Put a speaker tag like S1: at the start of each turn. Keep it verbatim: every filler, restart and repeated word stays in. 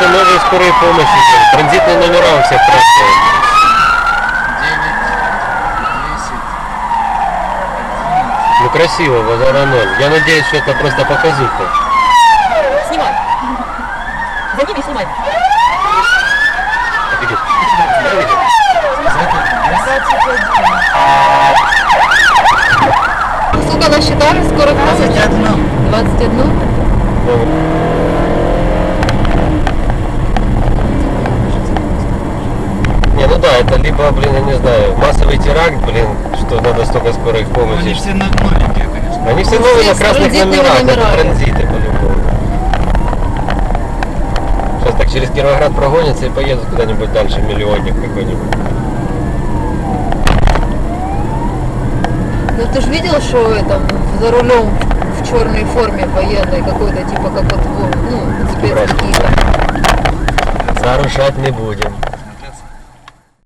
S1: что новые скорые помощи, транзитные номера у всех красные. Ну красиво, базара ноль. Я надеюсь, что это просто показуха.
S2: Снимай. За ними снимай.
S1: Видишь?
S2: Сколько насчитали? Скоро двадцать один. двадцать один?
S1: Не, ну да, это либо, блин, я не знаю, массовый теракт, блин, что надо столько скорых помощи.
S3: Они все новенькие, конечно.
S1: Они все новые на
S2: с
S1: красных
S2: транзитными
S1: номерах, это
S2: номерами.
S1: транзиты по-любому. Сейчас так через Кировоград прогонятся и поедут куда-нибудь дальше, миллионник какой-нибудь.
S2: Ну ты же видел, что это за рулем в черной форме военной какой-то, типа как вот, ну, спец какие-то.
S1: Нарушать не будем.